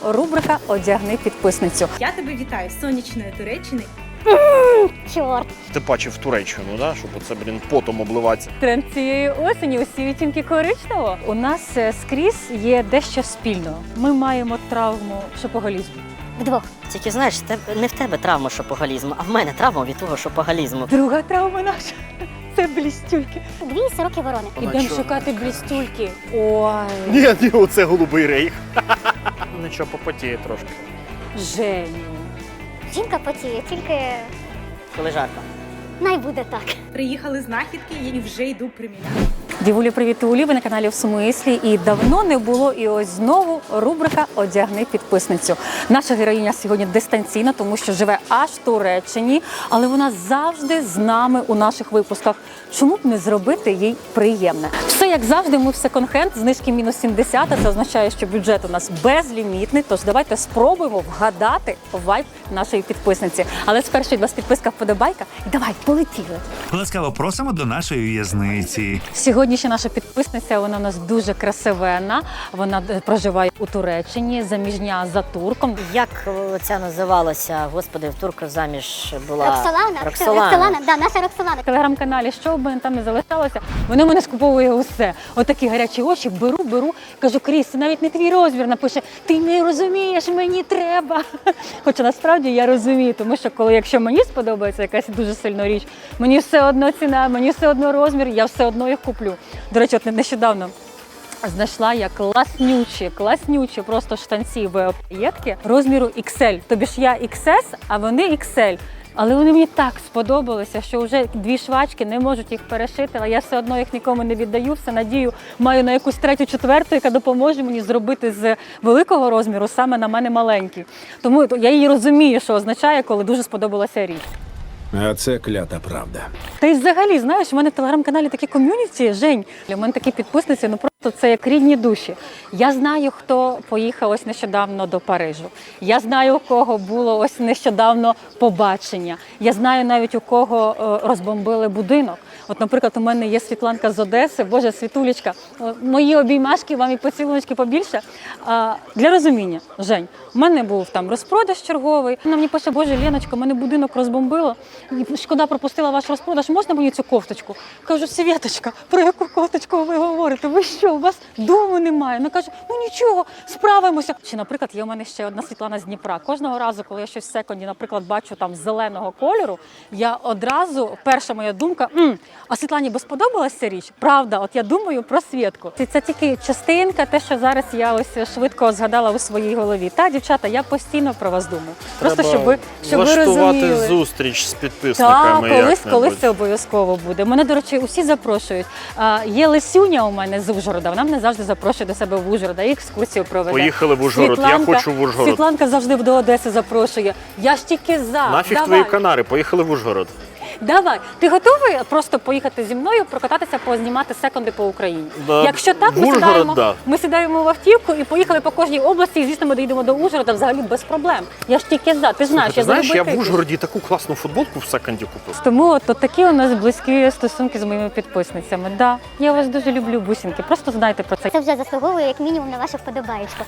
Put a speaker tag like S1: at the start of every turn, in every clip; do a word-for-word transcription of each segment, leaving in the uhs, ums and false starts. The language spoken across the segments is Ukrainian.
S1: рубрика «Одягни підписницю».
S2: Я тебе вітаю з сонячної Туреччини.
S3: Чорт.
S4: Ти бачив Туреччину, да? Щоб оце, блін, потом обливатися.
S1: Тренд цієї осені усі відтінки коричневого. У нас е, скрізь є дещо спільного. Ми маємо травму шопоголізму.
S3: Вдвох.
S5: Тільки знаєш, те- не в тебе травма шопоголізму, а в мене травма від того шопоголізму.
S1: Друга травма наша – це блістюльки.
S3: Дві сороки ворони.
S1: Ідемо шукати блістюльки. Ой,
S4: Ні, ні, оце голубий рейх. Нічого, попотіє трошки.
S1: Женю.
S3: Жінка потіє, тільки
S5: Коли жарко.
S3: най буде так.
S2: Приїхали знахідки і вже йду приміряти.
S1: Дівулі, привіт, Улі, ви на каналі «В смислі». І давно не було, і ось знову рубрика «Одягни підписницю». Наша героїня сьогодні дистанційна, тому що живе аж в Туреччині, але вона завжди з нами у наших випусках. Чому б не зробити їй приємне? Все, як завжди, ми в секонд-хенд, знижки мінус сімдесят, а це означає, що бюджет у нас безлімітний, тож давайте спробуємо вгадати вайб нашої підписниці. Але спершу від вас підписка, вподобайка, і давай, полетіли!
S6: Ласкаво просимо до нашої в'язниці.
S1: Сьогоднішня наша підписниця, вона у нас дуже красивенна, вона проживає у Туреччині, заміжня за турком.
S5: Як о, ця називалася, господи, в турка заміж була?
S3: Роксолана.
S5: Роксолана.
S3: Роксолана, да, наша Роксолана.
S1: В телеграм-каналі, що б мене там не залишалося, вона мене скуповує усе. Отакі гарячі очі, беру, беру, кажу, Кріс, це навіть не твій розмір, напише, ти не розумієш, мені треба. Хоча насправді я розумію, тому що коли, якщо мені сподобається якась дуже сильна річ, мені все одно ціна, мені все одно розмір, я все одно їх куплю. До речі, от нещодавно знайшла я класнючі, класнючі просто штанці в паєтки розміру ікс ель. Тобі ж я ікс ес, а вони ікс ель. Але вони мені так сподобалися, що вже дві швачки не можуть їх перешити, але я все одно їх нікому не віддаю, все надію маю на якусь третю, четверту, яка допоможе мені зробити з великого розміру саме на мене маленький. Тому я її розумію, що означає, коли дуже сподобалася річ.
S7: А це клята правда.
S1: Та й взагалі, знаєш, у мене в телеграм-каналі такі ком'юніті, Жень, у мене такі підписниці, ну просто це як рідні душі. Я знаю, хто поїхав ось нещодавно до Парижу. Я знаю, у кого було ось нещодавно побачення. Я знаю навіть, у кого е, розбомбили будинок. От, наприклад, у мене є Світланка з Одеси, Боже, Світулечка, мої обіймашки, вам і поцілуночки побільше. А, для розуміння, Жень, у мене був там розпродаж черговий. Вона мені пише, Боже, Леночка, у мене будинок розбомбило. Шкода, пропустила ваш розпродаж, можна мені цю кофточку? Кажу, Світочка, про яку кофточку ви говорите? Ви що, у вас дому немає? Вона каже, ну нічого, справимося. Чи, наприклад, є у мене ще одна Світлана з Дніпра. Кожного разу, коли я щось в секонді, наприклад, бачу там зеленого кольору, я одразу, перша моя думка, М, а Світлані би сподобалася ця річ? Правда, от я думаю про Світку. Це, це тільки частинка, те, що зараз я ось швидко згадала у своїй голові. Та, дівчата, я постійно про вас думаю. Просто, щоб ви, щоб ви
S4: влаштувати
S1: розуміли.
S4: зустріч з
S1: Так,
S4: підписниками.
S1: колись,
S4: як-небудь.
S1: колись це обов'язково буде. Мене, до речі, усі запрошують. А, є Лесюня у мене з Ужгорода, вона мене завжди запрошує до себе в Ужгорода, і екскурсію проведе.
S4: Поїхали в Ужгород, я
S1: Світланка-
S4: хочу в Ужгород.
S1: Світланка завжди до Одеси запрошує. Я ж тільки за.
S4: Нафіг
S1: Давай.
S4: твої Канари, поїхали в Ужгород.
S1: Давай. Ти готовий просто поїхати зі мною, прокататися, познімати секунди по Україні?
S4: Да.
S1: Якщо так,
S4: В
S1: ми
S4: Ужгород,
S1: сідаємо,
S4: да.
S1: ми сідаємо в автівку і поїхали по кожній області, і, звісно, ми доїдемо до Ужгорода взагалі без проблем. Я ж тільки за. Ти знаєш,
S4: Ти
S1: я
S4: знаєш, я
S1: залюбити.
S4: в Ужгороді таку класну футболку в секонді купив.
S1: Тому от, от такі у нас близькі стосунки з моїми підписницями. Да, я вас дуже люблю, бусинки. Просто знайте про це.
S3: Це вже заслуговує як мінімум на вашу вподобаєчку.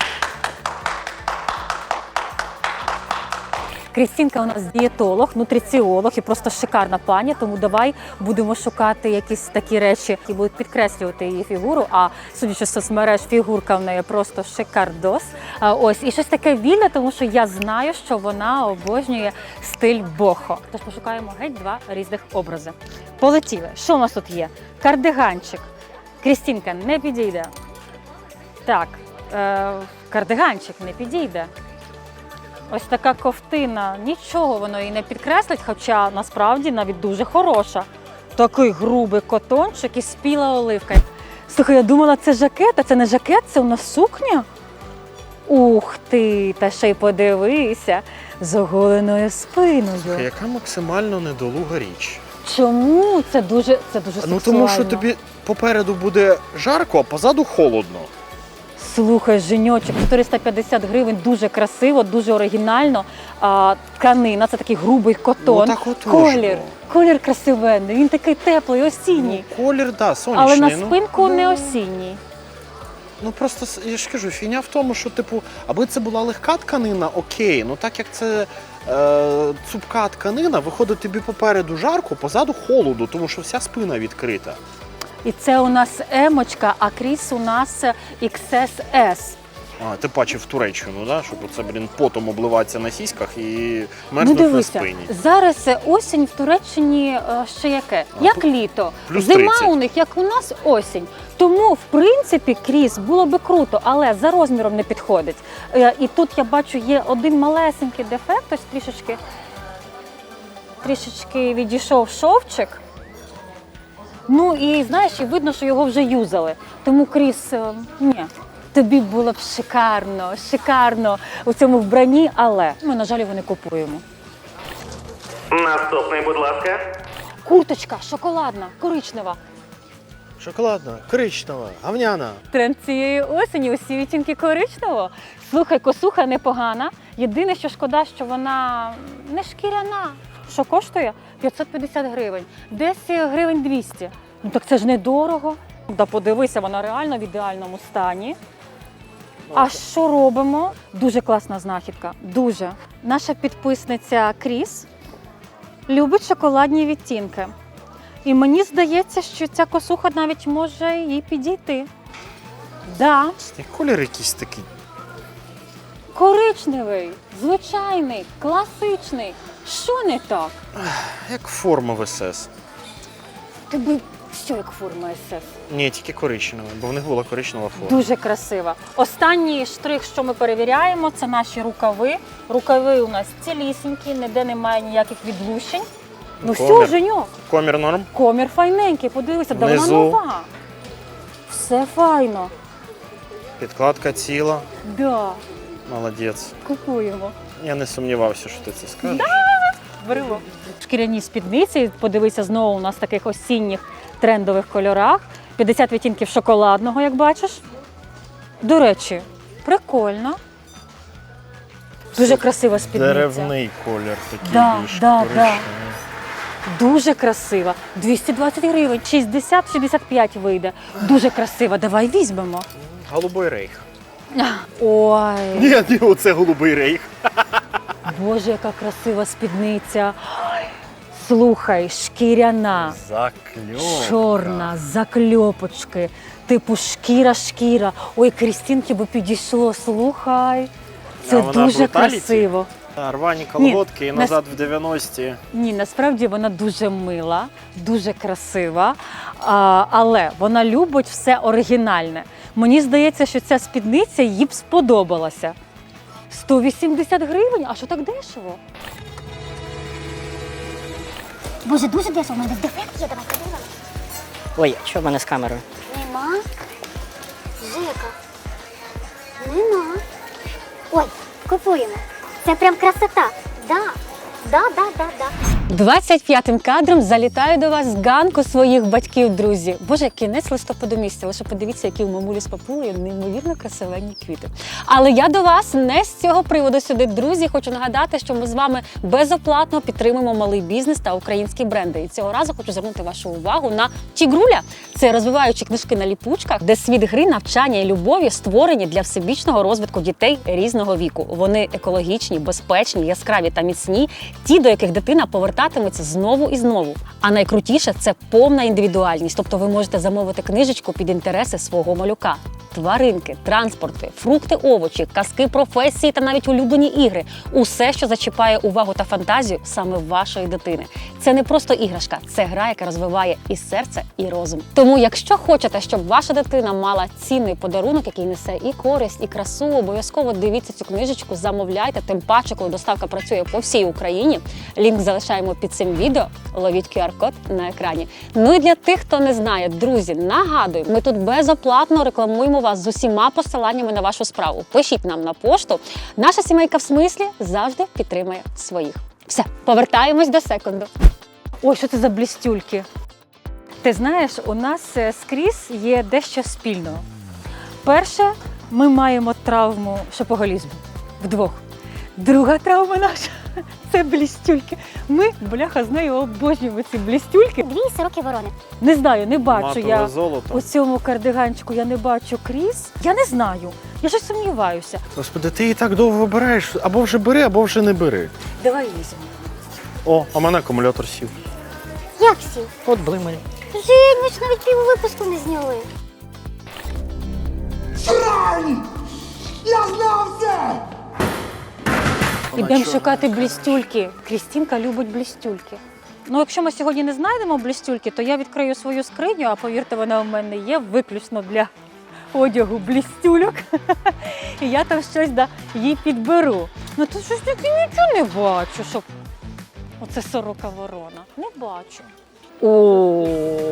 S1: Крістінка у нас дієтолог, нутриціолог і просто шикарна пані, тому давай будемо шукати якісь такі речі, які будуть підкреслювати її фігуру, а судячи з соцмереж, фігурка в неї просто шикардос. А, ось, і щось таке вільне, тому що я знаю, що вона обожнює стиль бохо. Тож пошукаємо геть два різних образи. Полетіли. Що у нас тут є? Кардиганчик. Крістінка, не підійде. Так, е, кардиганчик не підійде. Ось така ковтина, нічого воно її не підкреслить, хоча насправді навіть дуже хороша. Такий грубий котончик і спіла оливка. Слухай, я думала, це жакет, а це не жакет, це у нас сукня. Ух ти, та ще й подивися, з оголеною спиною.
S4: Яка максимально недолуга річ.
S1: Чому? Це дуже, це дуже сексуально.
S4: Ну тому що тобі попереду буде жарко, а позаду холодно.
S1: Слухай, Женьочок, чотириста п'ятдесят гривень, дуже красиво, дуже оригінально. А, тканина, це такий грубий котон.
S4: Ну, так отож,
S1: колір,
S4: ну.
S1: колір красивенний, він такий теплий, осінній.
S4: Ну, колір, да, сонячний.
S1: Але на
S4: ну.
S1: спинку не осінній.
S4: Ну просто с- я ж кажу, фігня в тому, що типу, аби це була легка тканина, окей. Ну так як це е, цупка тканина, виходить тобі попереду жарко, позаду холоду, тому що вся спина відкрита.
S1: І це у нас емочка, а кріс у нас ікс ес ес.
S4: А, ти бачив Туреччину, да? Щоб оце, блін, потом обливатися на сіськах і
S1: Ну
S4: мерзнуть на
S1: дивися,
S4: спині.
S1: зараз осінь в Туреччині е, ще яке?
S4: А,
S1: Як
S4: плю-
S1: літо.
S4: плюс
S1: Зима
S4: тридцять.
S1: у них, як у нас, осінь. Тому, в принципі, кріс було би круто, але за розміром не підходить. Е, І тут я бачу, є один малесенький дефект, ось трішечки, трішечки відійшов шовчик. Ну і знаєш, і видно, що його вже юзали. Тому кріс, е, ні. Тобі було б шикарно, шикарно у цьому вбранні, але ми, на жаль, його не купуємо.
S8: Наступний, будь ласка.
S1: Курточка шоколадна, коричнева.
S4: Шоколадна, коричнева, гавняна.
S1: Тренд цієї осені усі відтінки коричневого. Слухай, косуха непогана. Єдине, що шкода, що вона не шкіряна. Що коштує? п'ятсот п'ятдесят гривень. Десь гривень двісті. Ну так це ж недорого. Да подивися, вона реально в ідеальному стані. А що робимо? Дуже класна знахідка. Дуже. Наша підписниця Кріс любить шоколадні відтінки. І мені здається, що ця косуха навіть може їй підійти. Да,
S4: Колір якийсь такий.
S1: коричневий, звичайний, класичний. Що не так?
S4: Як форма в ес ес.
S1: Тобі що як форма ес ес?
S4: Ні, тільки коричнева, бо в них була коричнева форма.
S1: Дуже красива. Останній штрих, що ми перевіряємо, це наші рукави. Рукави у нас цілісінькі, ніде немає ніяких відлущень. Ну все,
S4: Комір.
S1: Женьок,
S4: Комір норм?
S1: комір файненький, подивися, да вона
S4: Внизу.
S1: нова. Все файно.
S4: Підкладка ціла.
S1: Да,
S4: Молодець.
S1: купуємо.
S4: Я не сумнівався, що ти це скажеш.
S1: Беремо. Шкіряні спідниці, подивися, знову у нас в таких осінніх трендових кольорах. п'ятдесят відтінків шоколадного, як бачиш. До речі, прикольно. Дуже красива спідниця.
S4: Деревний колір такий
S1: Да,
S4: більш
S1: да,
S4: коричневий.
S1: Дуже красива. двісті двадцять гривень, шістдесят шістдесят п'ять вийде. Дуже красива. Давай візьмемо.
S4: Голубий рейх.
S1: Ой,
S4: Ні, ні, оце голубий рейх.
S1: Боже, яка красива спідниця. Ой, слухай, шкіряна.
S4: Закльовка.
S1: Чорна, закльопочки, типу шкіра-шкіра. Ой, Крістінки би підійшло, слухай. Це
S4: А вона
S1: дуже
S4: бруталіті?
S1: красиво.
S4: А, Рвані колготки і
S1: нас-
S4: назад в дев'яності.
S1: Ні, насправді вона дуже мила, дуже красива, а, але вона любить все оригінальне. Мені здається, що ця спідниця їй б сподобалася. сто вісімдесят гривень? А що так дешево?
S3: Боже, дуже дешево, у мене десь дефект є, давай подивимось.
S5: Ой, що в мене з камерою?
S3: Нема. Жека. Нема. Ой, купуємо. Це прям красота. Да. Да, да, да, да.
S1: двадцять п'ятим кадром залітаю до вас з ганку своїх батьків, друзі. Боже, кінець листопаду місяця. Лише подивіться, які у мамулі з папулею неймовірно красивенні квіти. Але я до вас не з цього приводу сюди, друзі. Хочу нагадати, що ми з вами безоплатно підтримуємо малий бізнес та українські бренди. І цього разу хочу звернути вашу увагу на Тігруля. Це розвиваючі книжки на ліпучках, де світ гри, навчання і любові створені для всебічного розвитку дітей різного віку. Вони екологічні, безпечні, яскраві та міцні, ті, до яких дитина повертатиметься знову і знову. А найкрутіше – це повна індивідуальність. Тобто ви можете замовити книжечку під інтереси свого малюка. Тваринки, транспорти, фрукти, овочі, казки, професії та навіть улюблені ігри. Усе, що зачіпає увагу та фантазію саме вашої дитини. Це не просто іграшка, це гра, яка розвиває і серце, і розум. Тому, якщо хочете, щоб ваша дитина мала цінний подарунок, який несе і користь, і красу, обов'язково дивіться цю книжечку, замовляйте, тим паче, коли доставка працює по всій Україні. Лінк залишаємо під цим відео, ловіть ку ар код на екрані. Ну і для тих, хто не знає, друзі, нагадую, ми тут безоплатно рекламуємо вас з усіма посиланнями на вашу справу. Пишіть нам на пошту. Наша сімейка в смислі завжди підтримує своїх. Все, повертаємось до секунду. Ой, що це за блістюльки? Ти знаєш, у нас е, скрізь є дещо спільного. Перше, ми маємо травму шопоголізму. Вдвох. Друга травма наша Це блістюльки. Ми, бляха, з нею обожнюємо ці блістюльки.
S3: Дві сороки ворони.
S1: Не знаю, не бачу
S4: Матове
S1: я
S4: золото.
S1: у цьому кардиганчику, я не бачу кріс. Я не знаю. Я щось сумніваюся.
S4: Господи, ти її так довго вибираєш. Або вже бери, або вже не бери.
S1: Давай візьмемо.
S4: О, а в мене акумулятор сів.
S3: Як всі?
S5: От блимає.
S3: Жень, ми ж навіть пів випуску не зняли.
S1: Ідемо шукати блістюльки. Крістінка любить блістюльки. Ну, якщо ми сьогодні не знайдемо блістюльки, то я відкрию свою скриню, а повірте, вона у мене є виключно для одягу блістюльок. І я там щось да, їй підберу. Ну тут щось таке нічого не бачу, щоб оце сорока ворона. Не бачу. О,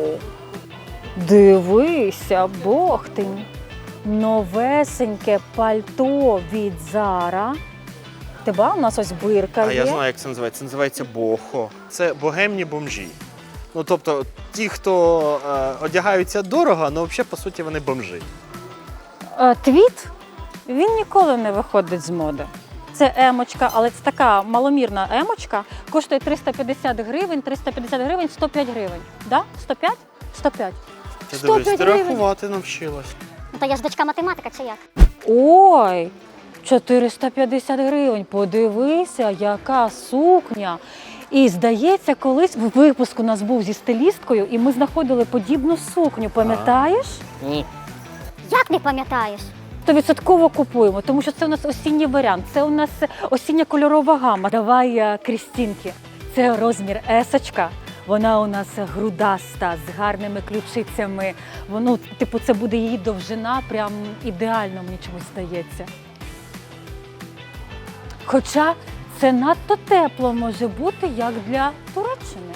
S1: дивися, бохтень. Новесеньке пальто від Зара. Тебе у нас ось бирка
S4: А
S1: є.
S4: я знаю, як це називається. Це називається бохо. Це богемні бомжі. Ну, тобто, ті, хто е, одягаються дорого, але взагалі, по суті, вони бомжі.
S1: Е, Твіт, він ніколи не виходить з моди. Це емочка, але це така маломірна емочка. Коштує триста п'ятдесят гривень, триста п'ятдесят гривень, сто п'ять гривень. Да? сто п'ять? сто п'ять.
S4: Ти
S1: сто
S4: дивись,
S1: п'ять
S4: ти
S1: гривень.
S4: рахувати навчилась.
S3: Ну, то я ж дочка математика чи як?
S1: Ой, чотириста п'ятдесят гривень. Подивися, яка сукня. І здається, колись в випуску у нас був зі стилісткою, і ми знаходили подібну сукню. Пам'ятаєш?
S5: Ні.
S3: Як не пам'ятаєш?
S1: Стовідсотково купуємо, тому що це у нас осінній варіант, це у нас осіння кольорова гама. Давай е, Крістінки. Це розмір есочка. Вона у нас грудаста, з гарними ключицями. Воно, типу, це буде її довжина, прям ідеально, мені чомусь здається. Хоча це надто тепло може бути, як для Туреччини.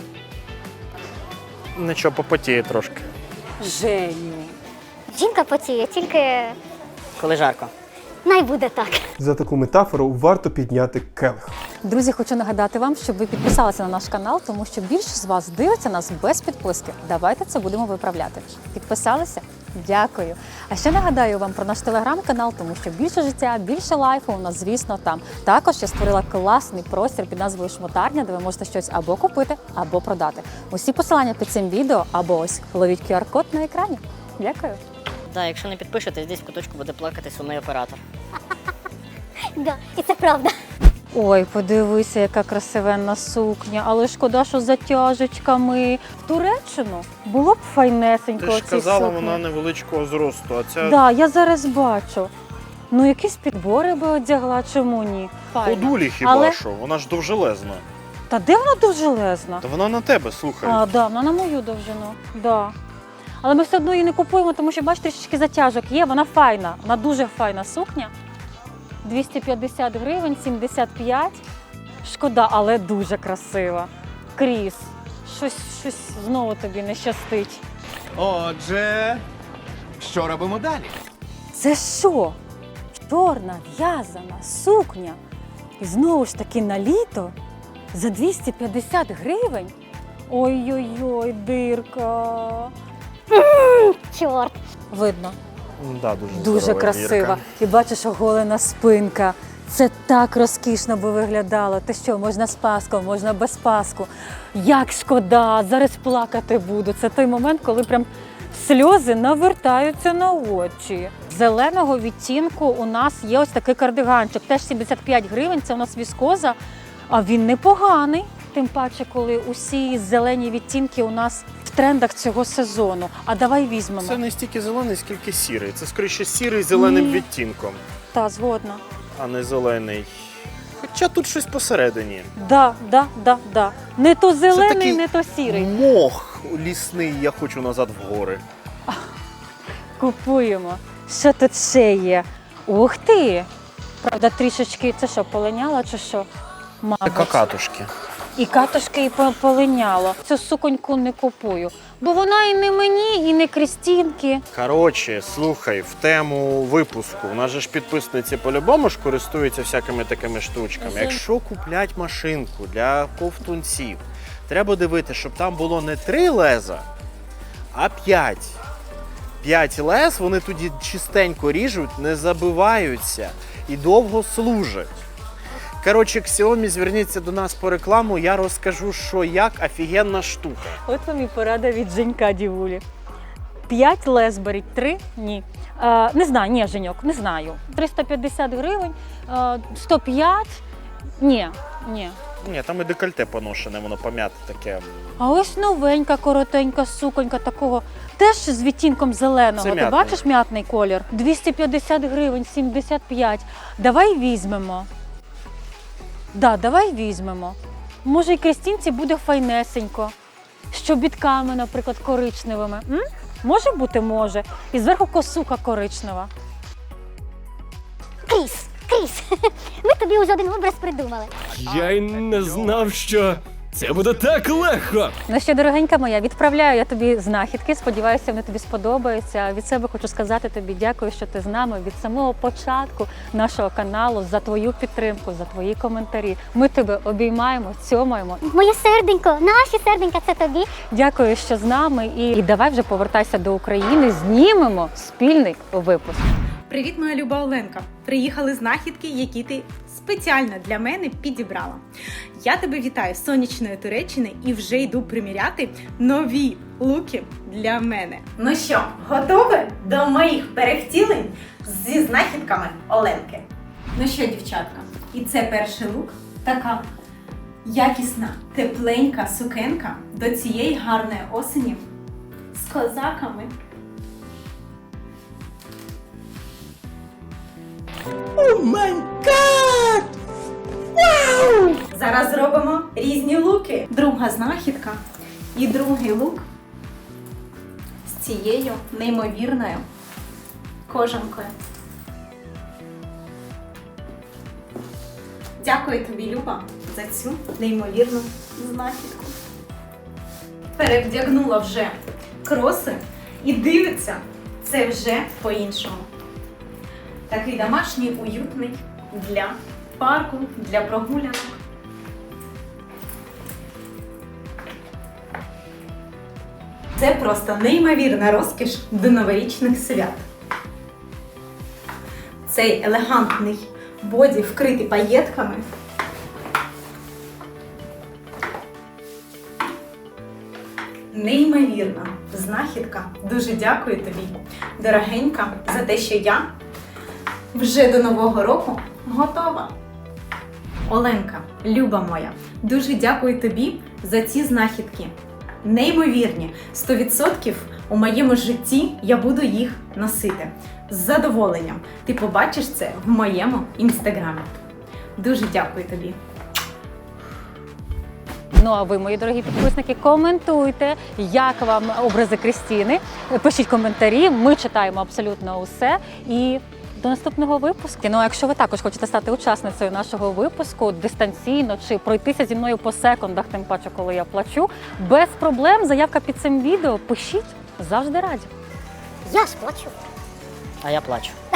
S4: Нічого, попотіє трошки.
S1: Женю.
S3: Жінка потіє, тільки
S5: Коли жарко.
S3: най буде так.
S8: За таку метафору варто підняти келих.
S1: Друзі, хочу нагадати вам, щоб ви підписалися на наш канал, тому що більшість з вас дивиться нас без підписки. Давайте це будемо виправляти. Підписалися? Дякую. А ще нагадаю вам про наш телеграм-канал, тому що більше життя, більше лайфу у нас, звісно, там. Також я створила класний простір під назвою Шмотарня, де ви можете щось або купити, або продати. Усі посилання під цим відео, або ось ловіть ку ар-код на екрані. Дякую.
S5: Да, якщо не підпишетесь, десь в куточку буде плакати сумний оператор.
S3: Да, і це правда.
S1: Ой, подивися, яка красивенна сукня, але шкода, що з затяжечками. В Туреччину було б файнесенько.
S4: Ти ж
S1: оці
S4: казала,
S1: сукні.
S4: вона невеличкого зросту, а ця
S1: Так, да, я зараз бачу. Ну, якісь підбори би одягла, чому ні? Файно.
S4: ходулі хіба
S1: Але-
S4: що, вона ж довжелезна.
S1: Та де вона довжелезна?
S4: Та вона на тебе, слухай.
S1: А, да, вона на мою довжину. Да. Але ми все одно її не купуємо, тому що, бачите, трішечки затяжок є, вона файна, вона дуже файна сукня. двісті п'ятдесят гривень, сімдесят п'ять. Шкода, але дуже красива. Кріс, щось, щось знову тобі не щастить.
S9: Отже, що робимо далі?
S1: Це що? Чорна в'язана сукня. І знову ж таки на літо за двісті п'ятдесят гривень? Ой-ой-ой, дирка.
S3: Чорт.
S1: Видно,
S4: Да, дуже
S1: дуже
S4: здорова
S1: красива.
S4: Вірка.
S1: І бачиш, оголена спинка. Це так розкішно би виглядало. Ти що, можна з паском, можна без паску. Як шкода, зараз плакати буду. Це той момент, коли прям сльози навертаються на очі. Зеленого відтінку у нас є ось такий кардиганчик. Теж сімдесят п'ять гривень, це у нас віскоза, а він непоганий. Тим паче, коли усі зелені відтінки у нас в трендах цього сезону. А давай візьмемо.
S4: Це не стільки зелений, скільки сірий. Це скоріше сірий з зеленим
S1: Ні.
S4: відтінком,
S1: Та, згодна.
S4: а не зелений. Хоча тут щось посередині.
S1: Да, да, да, да. Не то зелений,
S4: такий
S1: не то сірий.
S4: Мох лісний, я хочу назад в гори.
S1: Купуємо. Що тут ще є? Ух ти! Правда, трішечки, це що, полиняло чи що? Мабуть.
S4: Какатушки.
S1: І катушки, і по- полиняло. Цю суконьку не купую. Бо вона і не мені, і не Крістінки.
S4: Коротше, слухай, в тему випуску. У нас же ж підписниці по-любому ж користуються всякими такими штучками.
S1: Ага.
S4: Якщо куплять машинку для ковтунців, треба дивитися, щоб там було не три леза, а п'ять. П'ять лез, вони тоді чистенько ріжуть, не забиваються і довго служать. Коротше, Xiaomi, зверніться до нас по рекламу, я розкажу, що як, офігенна штука.
S1: От вам і порада від Женька Дівулі. П'ять лез беріть, три – ні. Е, не знаю, ні, Женьок, не знаю. триста п'ятдесят гривень, е, сто п'ять – ні, ні.
S4: Ні, там і декольте поношене, воно пом'яте таке.
S1: А ось новенька, коротенька суконька такого, теж з відтінком зеленого.
S4: Це
S1: Ти
S4: м'ятний.
S1: бачиш м'ятний колір? двісті п'ятдесят гривень, сімдесят п'ять. Давай візьмемо. Да, давай візьмемо. Може, і Крістінці буде файнесенько. З чобітками, наприклад, коричневими. М? Може бути, може. І зверху косуха коричнева.
S3: Кріс, Кріс, ми тобі уже один образ придумали.
S10: Я й не знав, що це буде так легко.
S1: Ну що, дорогенька моя, відправляю я тобі знахідки. Сподіваюся, вони тобі сподобаються. Від себе хочу сказати тобі дякую, що ти з нами від самого початку нашого каналу, за твою підтримку, за твої коментарі. Ми тебе обіймаємо, цьомаємо.
S3: Моє серденько, наші серденька, це тобі.
S1: Дякую, що з нами. І, і давай вже повертайся до України, знімемо спільний випуск.
S2: Привіт, моя люба Оленка! Приїхали знахідки, які ти спеціально для мене підібрала. Я тебе вітаю з сонячної Туреччини і вже йду приміряти нові луки для мене. Ну що, готові до моїх перевтілень зі знахідками Оленки? Ну що, дівчатка, і це перший лук. Така якісна, тепленька сукенка до цієї гарної осені з козаками.
S10: О май гад! Вау!
S2: Зараз зробимо різні луки. Друга знахідка і другий лук з цією неймовірною кожанкою. Дякую тобі, Люба, за цю неймовірну знахідку. Перевдягнула вже кроси і дивиться, це вже по-іншому. Такий домашній, уютний для парку, для прогулянок. Це просто неймовірна розкіш до новорічних свят. Цей елегантний боді вкритий паєтками. Неймовірна знахідка. Дуже дякую тобі, дорогенька, за те, що я вже до Нового року готова. Оленка, люба моя, дуже дякую тобі за ці знахідки. Неймовірні, сто відсотків у моєму житті я буду їх носити. З задоволенням. Ти побачиш це в моєму інстаграмі. Дуже дякую тобі.
S1: Ну а ви, мої дорогі підписники, коментуйте, як вам образи Крістіни. Пишіть коментарі, ми читаємо абсолютно усе. І до наступного випуску. Ну а якщо ви також хочете стати учасницею нашого випуску дистанційно чи пройтися зі мною по секундах, тим паче, коли я плачу, без проблем, заявка під цим відео, пишіть, завжди раді.
S3: Я ж плачу.
S5: А я плачу.